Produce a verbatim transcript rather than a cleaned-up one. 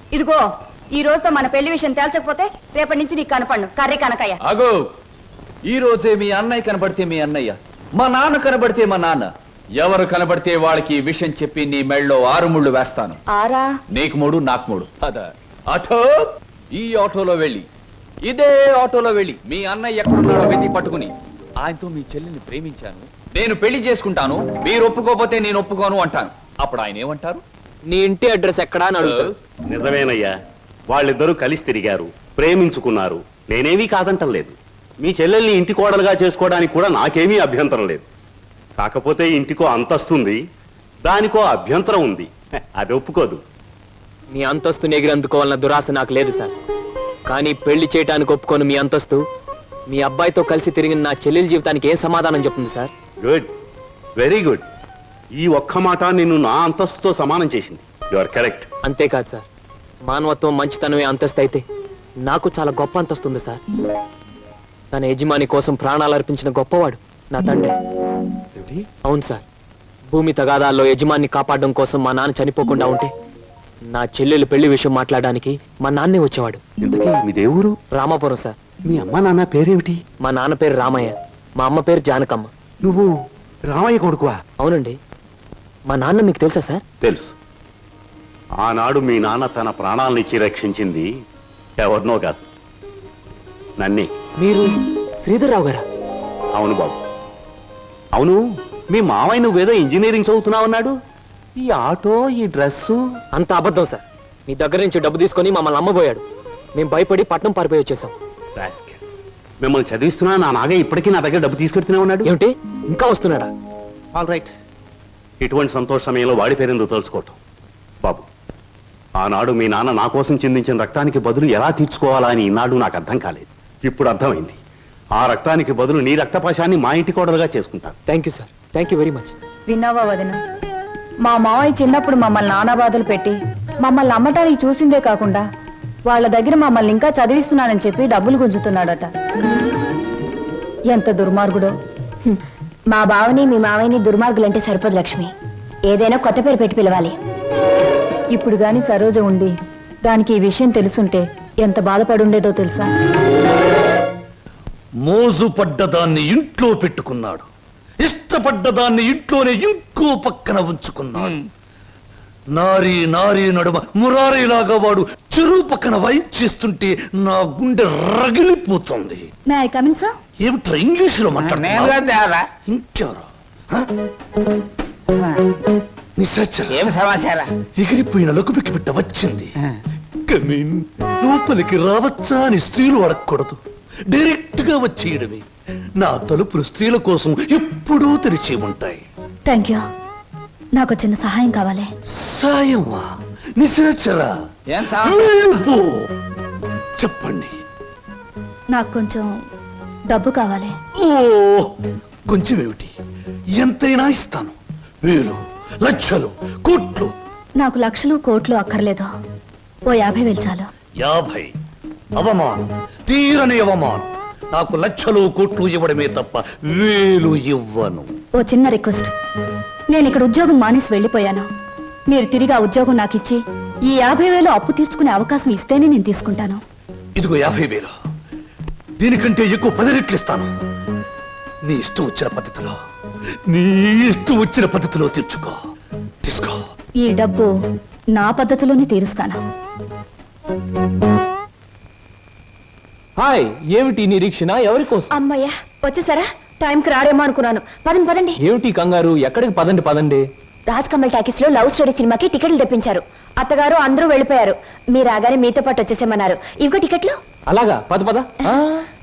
ఇదిగో ఈ రోజుతో మన పెళ్లి విషయం తేల్చకపోతే రేపటి నుంచి నీకు కనపడు కర్రీ కనకయ్య. అగో ఈ రోజే మీ అన్నయ్య కనబడితే మీ అన్నయ్య, మా నాన్న కనబడితే మా నాన్న, ఎవరు కనబడితే వాళ్ళకి ఈ విషయం చెప్పి నీ మెళ్ళలో ఆరు ముళ్ళు వేస్తాను. ఆరా? నీకు మూడు నాకు మూడు. అదా ఆటో, ఈ ఆటోలో వెళ్ళి ఇదే ఆటోలో వెళ్ళి మీ అన్నయ్య ఎక్కడున్నాడో వెతికి పట్టుకుని ఆయనతో మీ చెల్లిని ప్రేమించాను, నేను పెళ్లి చేసుకుంటాను, మీరు ఒప్పుకోకపోతే నేను ఒప్పుకోను అంటాను. అప్పుడు ఆయన ఏమంటారు? నీ ఇంటి అడ్రస్ ఎక్కడా అని అడుగుతారు. నిజమేనయ్యా, వాళ్ళిద్దరూ కలిసి తిరిగారు, ప్రేమించుకున్నారు. నేనేమీ కాదంటం లేదు. మీ చెల్లెల్ని ఇంటి కోడలుగా చేసుకోవడానికి కూడా నాకేమీ అభ్యంతరం లేదు. కాకపోతే ఇంటికో అంతస్తుంది, దానికో అభ్యంతరం ఉంది. అది ఒప్పుకోదు. మీ అంతస్తుని ఎగిరి అందుకోవాలన్న దురాశ నాకు లేదు సార్. కానీ పెళ్లి చేయడానికి ఒప్పుకోను మీ అంతస్తు మీ అబ్బాయితో కలిసి తిరిగిన నా చెల్లెల జీవితానికి ఏ సమాధానం చెప్తుంది సార్? Good, very good. ఈ ఒక్క మాట నిన్ను నా అంతస్తుతో సమానం చేసింది. You are correct. అంతేకాదు సార్, మానవత్వం మంచితనమే అంతస్తు అయితే నాకు చాలా గొప్ప అంతస్తు ఉంది సార్. తన యజమాని కోసం ప్రాణాలు అర్పించిన గొప్పవాడు నా తండ్రి. అవును సార్, భూమి తగాదాల్లో యజమాన్ని కాపాడడం కోసం మా నాన్న చనిపోకుండా ఉంటే నా చెల్లెలు పెళ్లి విషయం మాట్లాడడానికి మా నాన్నే వచ్చేవాడు. ఇంతకీ మీ దేవురు? రామాపురం సార్. మీ అమ్మ నాన్న పేరేమిటి? మా నాన్న పేరు రామయ్య, మా అమ్మ పేరు జానకమ్మ. నువ్వు రామయ్య కొడుకువా? అవునండి. మా నాన్న మీకు తెలుసా సార్? తెలుసు. ఆనాడు మీ నాన్న తన ప్రాణాలనిచ్చి రక్షించింది ఎవరినో కాదు, నన్నే. మీరు శ్రీధర్రావు గారా? అవును బాబు, అవును. మీ మావయ్య నువ్వేదో ఇంజనీరింగ్ చదువుతున్నావన్నాడు. ఈ ఆటో, ఈ డ్రెస్సు అంత అబద్ధం సార్. మీ దగ్గర నుంచి డబ్బు తీసుకొని మమ్మల్ని అమ్మబోయాడు. మేము భయపడి పట్నం పారిపోయి వచ్చేసాం. మిమ్మల్ని చదివిస్తున్నా నా నాగయ్య ఇప్పటికీ నా దగ్గర డబ్బు తీసుకెడుతూనే ఉన్నాడు. ఏమిటి, ఇంకా వస్తున్నాడా? All right. ఇటువంటి సంతోష సమయంలో వాడి పేరెందుకు తలుచుకోవటం బాబు. ఆనాడు మీ నాన్న నా కోసం చిందించిన రక్తానికి బదులు ఎలా తీర్చుకోవాలా అని ఈనాడు నాకు అర్థం కాలేదు. ఇప్పుడు అర్థమైంది. ఆ రక్తానికి బదులు నీ రక్తపాశాన్ని మా ఇంటి కోడలుగా చేసుకుంటాను. Thank you sir, thank you very much. విన్నావా వదిన, మా మావయ్య చిన్నప్పుడు మమ్మల్ని నానా బాధలు పెట్టి మమ్మల్ని అమ్మటానికి చూసిందే కాకుండా వాళ్ళ దగ్గర మమ్మల్ని ఇంకా చదివిస్తున్నానని చెప్పి డబ్బులు గుంజుతున్నాడట. ఎంత దుర్మార్గుడో. మా బావని మీ మావయ్యని దుర్మార్గులంటే సరిపోదు లక్ష్మి, ఏదైనా కొత్త పేరు పెట్టి పిలవాలి. ఇప్పుడు గాని సరోజ ఉండి దానికి ఈ విషయం తెలుసుంటే ఎంత బాధపడుండేదో తెలుసా? మోజు పడ్డదాన్ని ఇంట్లో పెట్టుకున్నాడు, ఇష్టపడ్డదాన్ని ఇంట్లోనే ఇంకో పక్కన ఉంచుకున్నాడు. నారీ నారీ నడుమ మురారీలాగా వాడు చెరువు పక్కన వైప్ చేస్తుంటే నా గుండె రగిలిపోతుంది. ఏమిట్రా ఇంగ్లీషులో మాట్లాడుతున్నా? ఇంకెవరు? ఏం సమాచారం? ఎగిరిపోయిన లకుపికి బిడ్డ వచ్చింది. కమీన్, లోపలికి రావచ్చా అని స్త్రీలు అడగకూడదు, డైరెక్ట్ గా వచ్చేయడమే. నా తలుపులు స్త్రీల కోసం ఎప్పుడూ తెరిచి ఉంటాయి. Thank you. నాకు చిన్న సహాయం కావాలి. సాయమా? నిశాచరా, చెప్పండి. నాకు కొంచెం డబ్బు కావాలి. ఓ, కొంచెం ఏమిటి, ఎంతైనా ఇస్తాను. వేలు, లక్షలు, కోట్లు. నాకు లక్షలు కోట్లు అక్కర్లేదు, ఓ యాభై వేలు చాలు. యాభై? అవమానం, తీరని అవమానం. నాకు లక్షలు కోట్లు ఇవ్వడమే తప్ప వేలు ఇవ్వను. ఓ చిన్న రిక్వెస్ట్. నేను ఇక్కడ ఉద్యోగం మానేసి వెళ్ళిపోయాను. మీరు తిరిగి ఆ ఉద్యోగం నాకు ఇచ్చి ఈ యాభై వేలు అప్పు తీర్చుకునే అవకాశం ఇస్తేనే నేను తీసుకుంటాను. ఇదిగో యాభై వేలు, దీనికంటే ఎక్కువ పది రెట్లు ఇస్తాను. నీ ఇష్టం వచ్చిన పద్ధతిలో, నీ ఇష్టం వచ్చిన పద్ధతిలో తీర్చుకో. తీసుకో. ఈ డబ్బు నా పద్ధతిలోనే తీరుస్తాను. హాయ్, ఏమిటి నిరీక్షణ? ఎవరి కోసం? అమ్మయ్యా, వచ్చేసారా? టైంకి రారేమో అనుకున్నాను. పదండి పదండి. ఏమిటి కంగారు? ఎక్కడికి? పదండి పదండి. రాజ్ కమల్ టాకీస్ లో లవ్ స్టోరీ సినిమాకి టికెట్లు తెప్పించారు. అత్తగారు అందరూ వెళ్ళిపోయారు. మీరు రాగానే మీతో పాటు వచ్చేసేమన్నారు. ఇవిగో టికెట్లు. అలాగా, పద పద.